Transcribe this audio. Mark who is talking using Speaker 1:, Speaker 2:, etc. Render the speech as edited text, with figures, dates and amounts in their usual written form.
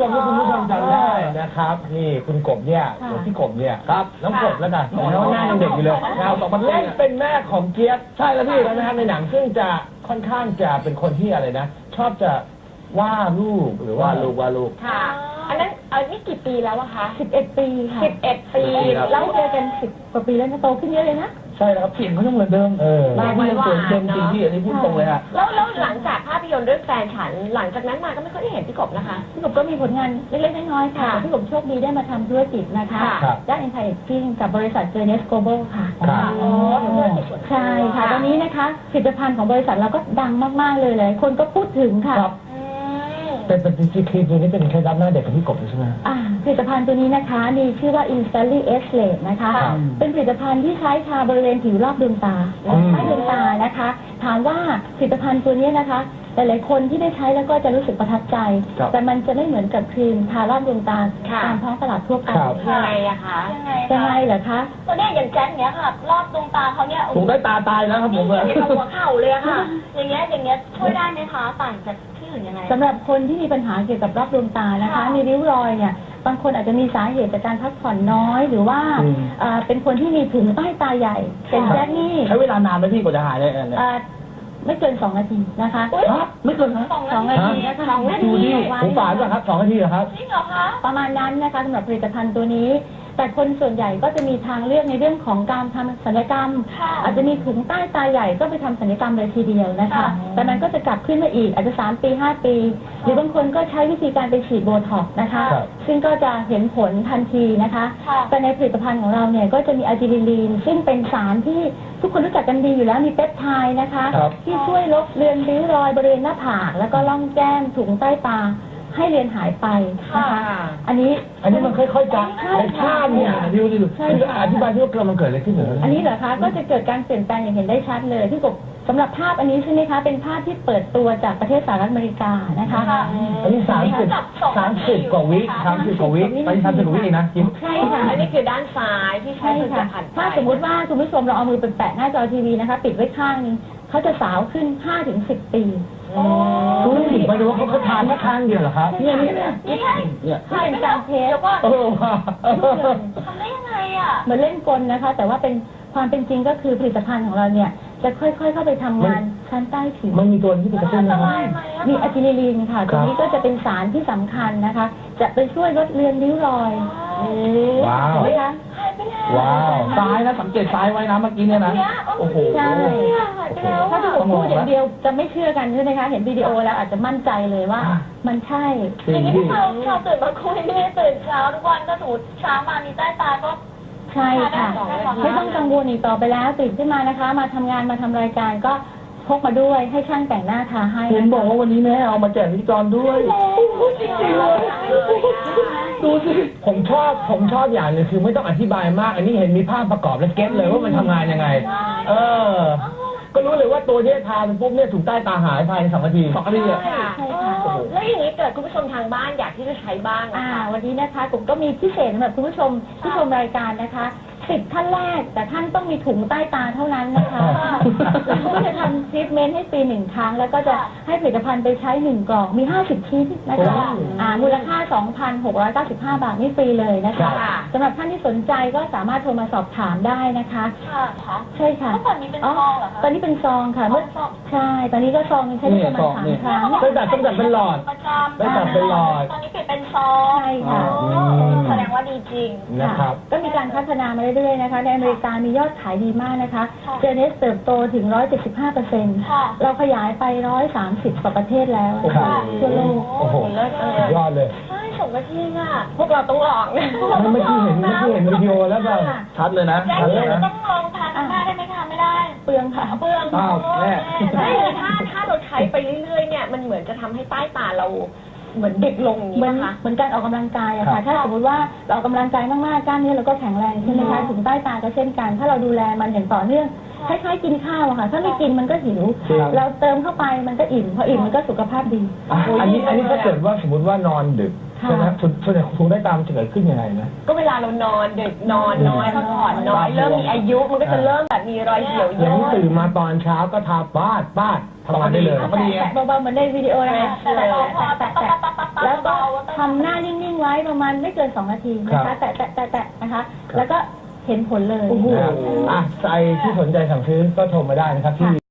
Speaker 1: ชมถ้าคุณผู้ชมจำได้นะครับนี่คุณกบเนี่ยหรือพี่กบเนี่ยครับน้องกบแล้วกันน้องหน้ายังเด็กอยู่เลยเล่นเป็นแม่ของเจี๊ยบใช่แล้วพี่แล้วนะครับในหนังซึ่งจะค่อนข้างจะเป็นคนที่อะไรนะชอบจะว่าลูกหรือว่าลูก
Speaker 2: ค่ะอันนั้นนี่กี่ปีแล้วอะคะ
Speaker 3: 11 ปีค่ะ
Speaker 2: 11 ปี
Speaker 3: แล้วเจอกัน10 กว่าปีแล้วนะโตขึ้นเยอะเลยนะ
Speaker 1: ใช่แล้วครับเสียงเขายังเหมือนเดิมหน้าที่ยังเปลี่ยนเต็มจริงที่อันนี้พูดตรงเลยฮะ
Speaker 2: แล้วหลังจากภาพยนตร์เรื่องแฟนฉันหลังจากนั้นมาก็ไม่ค่อยได้เห็นพี่กบนะคะ
Speaker 3: พี่กบก็มีผลงานเล็กๆน้อยๆค่ะพี่กบโชคดีได้มาทำธุรกิจนะคะด้าน Anti-Aging กับบริษัท Journey Global ค่ะใช่ค่ะตอนนี้นะคะผลิตภัณฑ์ของบริษัทเราก็ดังมากๆเลยคนก็พูดถึงค่ะ
Speaker 1: เป็นครีมตัวนี้เป็นเคล็ดลับหน้าเด็กของพี่กบใช่ไหม
Speaker 3: ผลิตภัณฑ์ตัวนี้นะคะมีชื่อว่า Instantly Age นะคะเป็นผลิตภัณฑ์ที่ใช้ทาบริเวณผิวรอบดวงตาใต้ดวงตานะคะถามว่าผลิตภัณฑ์ตัวนี้นะคะหลายๆคนที่ได้ใช้แล้วก็จะรู้สึกประทับใจแต่มันจะไม่เหมือนกับครีมทารอบดวงตาตามท้องตลาดทั่วไป
Speaker 2: ยังไงอะคะ
Speaker 3: ยังไงเหรอคะ
Speaker 2: ตัวนี้อย่างแจ็คเนี้ยค่ะรอบดวงตาเขาเนี่ย
Speaker 1: ถูกได้ตาตายแล้วครับผมเลย
Speaker 2: หัวเข่าเลยค่ะอย่างเงี้ยช่วยได้ไหมคะต่างจากที่อื่นยังไง
Speaker 3: สำหรับคนที่มีปัญหาเกี่ยวกับรอบดวงตานะคะมีริ้วรอยเนี่ยบางคนอาจจะมีสาเหตุจากการพักผ่อนน้อยหรือว่าเป็นคนที่มีถุงใต้ตาใหญ่เป็นแจ็คนี่
Speaker 1: ใช้เวลานานไหมพี่กว่าจะหายได้
Speaker 3: ไม่เกิน2 นาทีนะคะ
Speaker 1: ไม่เกิน
Speaker 3: 2 นาทีนะคะ2 นาที
Speaker 1: ผมฝานป่ะครับ2 นาทีเหรอครับ
Speaker 2: จริงเหรอคะ
Speaker 3: ประมาณนั้นนะคะสำหรับผลิตภัณฑ์ตัวนี้แต่คนส่วนใหญ่ก็จะมีทางเลือกในเรื่องของการทำศัลยกรรมอาจจะมีถุงใต้ตาใหญ่ก็ไปทำศัลยกรรมเลยทีเดียวนะคะแต่มันก็จะกลับขึ้นมาอีกอาจจะ3 ปี 5 ปีหรือบางคนก็ใช้วิธีการไปฉีดโบท็อกซ์นะคะซึ่งก็จะเห็นผลทันทีนะคะแต่ในผลิตภัณฑ์ของเราเนี่ยก็จะมีอะจิลิลีนซึ่งเป็นสารที่ทุกคนรู้จักกันดีอยู่แล้วมีเปปไทด์นะคะที่ช่วยลบเลือนริ้วรอยบริเวณหน้าผากแล้วก็ร่องแก้มถุงใต้ตาให้เรียนหายไปนะคะอันนี้
Speaker 1: มันค่อยๆจะในภาพเนี่ยดูอธิบายที่ว่ามันเกิดอะไรขึ้นเหรอ
Speaker 3: อันนี้เหรอคะก็จะเกิดการเปลี่ยนแปลงอย่างเห็นได้ชัดเลยที่กบสำหรับภาพอันนี้ใช่ไหมคะเป็นภาพที่เปิดตัวจากประเทศสหรัฐอเมริกานะคะ
Speaker 1: อันนี้30 กว่าวิ30 กว่าวิไป30 กว่าวินะ
Speaker 3: ใช่ค่ะ
Speaker 2: อันนี้คือด้านซ้ายที่ใช้ผลิตภัณฑ์
Speaker 3: ถ้าสมมติว่าคุณผู้ชมเราเอามือไปแปะหน้าจอทีวีนะคะปิดไว้ข้างนึงเขาจะสาวขึ้น 5-10 ปี
Speaker 1: รู้สึกไปดูว่าเขาทานแค่ครั้งเดียวเหรอครับ
Speaker 3: เนี่ยเป็นการเทส
Speaker 2: แล้วก็ทำได้ยังไงอ่ะ
Speaker 3: เหมือนเล่นกลนะคะแต่ว่าเป็นความเป็นจริงก็คือผลิตภัณฑ์ของเราเนี่ยจะค่อยๆเข้าไปทำงานชั้นใต้ผิว
Speaker 1: มันมีตัวที่เป็นกระตุ้นไหม
Speaker 3: มีอะจิลิลีนค่ะตัวนี้ก็จะเป็นสารที่สำคัญนะคะจะไปช่วยลดเลือนริ้วรอย
Speaker 1: ว้าวว้าวซ้ายนะสังเกตซ้ายไว้นะเมื่อกี้เนี่ยนะโอ้โห
Speaker 3: ใช่ถ้าผมพูดอย่างเดียวจะไม่เชื่อกันใช่ไหมคะเห็นวิดีโอแล้วอาจจะมั่นใจเลยว่ามันใช่
Speaker 2: อย่างนี้เราตื่นมาคุยไม่ได้ตื่นเช้าทุกวันก็สูดเช้ามามีใต้ตาก็
Speaker 3: ใช่ค่ะไม่ต้องกังวลอีกต่อไปแล้วตื่นขึ้นมานะคะมาทำงานมาทำรายการก็พกมาด้วยให้ช่างแต่งหน้าทาให้
Speaker 1: เห็นบอกว่าวันนี้แม่เอามาแจกพิธีกรด้วยดูสิผมชอบอย่างนึงคือไม่ต้องอธิบายมากอันนี้เห็นมีภาพประกอบและเก็ตเลยว่ามันทำงานยังไงก็รู้เลยว่าตัวที่ทาไปปุ๊บเนี่ยถูกใต้ตาหายภายใน2 นาที2 นาที
Speaker 2: ใช่ค่ะแล้วอย่างนี้เกิดคุณผู้ชมทางบ้านอยากที่จะใช้บ้าง
Speaker 3: วันนี้นะคะผมก็มีพิเศษสำหรับคุณผู้ชมที่ชมรายการนะคะ10 ท่านแรกแต่ท่านต้องมีถุงใต้ตาเท่านั้นนะคะเราก็จะทำทรีทเมนต์ให้ปี1 ครั้งแล้วก็จะให้ผลิตภัณฑ์ไปใช้1 กล่องมี50 ชิ้นนะคะมูลค่า 2,695 บาทนี่ฟรีเลยนะคะสำหรับท่านที่สนใจก็สามารถโทรมาสอบถามได้นะคะใช่ค่ะ
Speaker 2: ตอนนี้เป็นซองเหรอคะ
Speaker 3: ตอนนี้เป็นซองค่ะใช่ตอนนี้ก็ซองใช้ได้ประมาณ3 ครั้ง
Speaker 1: ตั้งแต่เป็นหลอดตั้งแต่เป็นหลอด
Speaker 2: ตอนนี้เปลี่ยนเป็นซอง
Speaker 3: ใช่ค่ะ
Speaker 2: แสดงว่าดีจริง
Speaker 1: นะครับ
Speaker 3: ก็มีการพัฒนามาเรื่อยๆนะคะในอเมริกามียอดขายดีมากนะคะเจเนสเติบโตถึง 175%เราขยายไป130 กว่าประเทศแล้วทั่วโลก
Speaker 1: โอ้โหยอดเลย
Speaker 2: ใช่ส่งมาที่อ่ะพวกเราต้องลองนะ
Speaker 1: เมื่อกี้เห็นวิดีโอแล้วก็ชัดเลยนะ
Speaker 2: ชัดเลยนะต้องลองทานได้ไหมคะไม่ได้
Speaker 3: เปลืองค่ะ
Speaker 2: เปลือง
Speaker 1: แม่
Speaker 2: ถ้าเราใช้ไปเรื่อยๆเนี่ยมันเหมือนจะทำให้ใต้ตาเราเหมือนเด็กลงอย่างนี้นะคะ
Speaker 3: เหมือนการออกกำลังกายอะค่ะถ้าสมมติว่าเราออกกำลังกายมากๆกล้ามเนื้อเราก็แข็งแรงใช่ไหมคะถุงใต้ตาก็เช่นกันถ้าเราดูแลมันอย่างต่อเนื่องคล้ายๆกินข้าวอะค่ะถ้าไม่กินมันก็หิวเราเติมเข้าไปมันก็อิ่มพออิ่มมันก็สุขภาพดี
Speaker 1: อันนี้ถ้าเกิดว่าสมมติว่านอนดึกใช่ไหมส่วนใหญ่ถุงใต้ตาจะเกิดขึ้นยังไงนะ
Speaker 2: ก็เวลาเรานอนดึกนอนน้อยพักผ่อนน้อยเริ่มมีอายุมันก็จะเริ่มแบบมีรอยเหี่ยวย่น
Speaker 1: ตื่นมาตอนเช้าก็ทาบ้านทำงานได้เลย
Speaker 3: เบาๆเหมือนในวิดีโอนะคะแล้วก็ทำหน้านิ่งๆไว้ประมาณไม่เกิน2 นาทีนะ
Speaker 1: ครั
Speaker 3: คะ
Speaker 1: บ
Speaker 3: แตะนะคะ แล้วก็เห็นผลเลย
Speaker 1: นะครับอ่ะใครที่สนใจสั่งซื้อก็โทรมาได้นะครับที่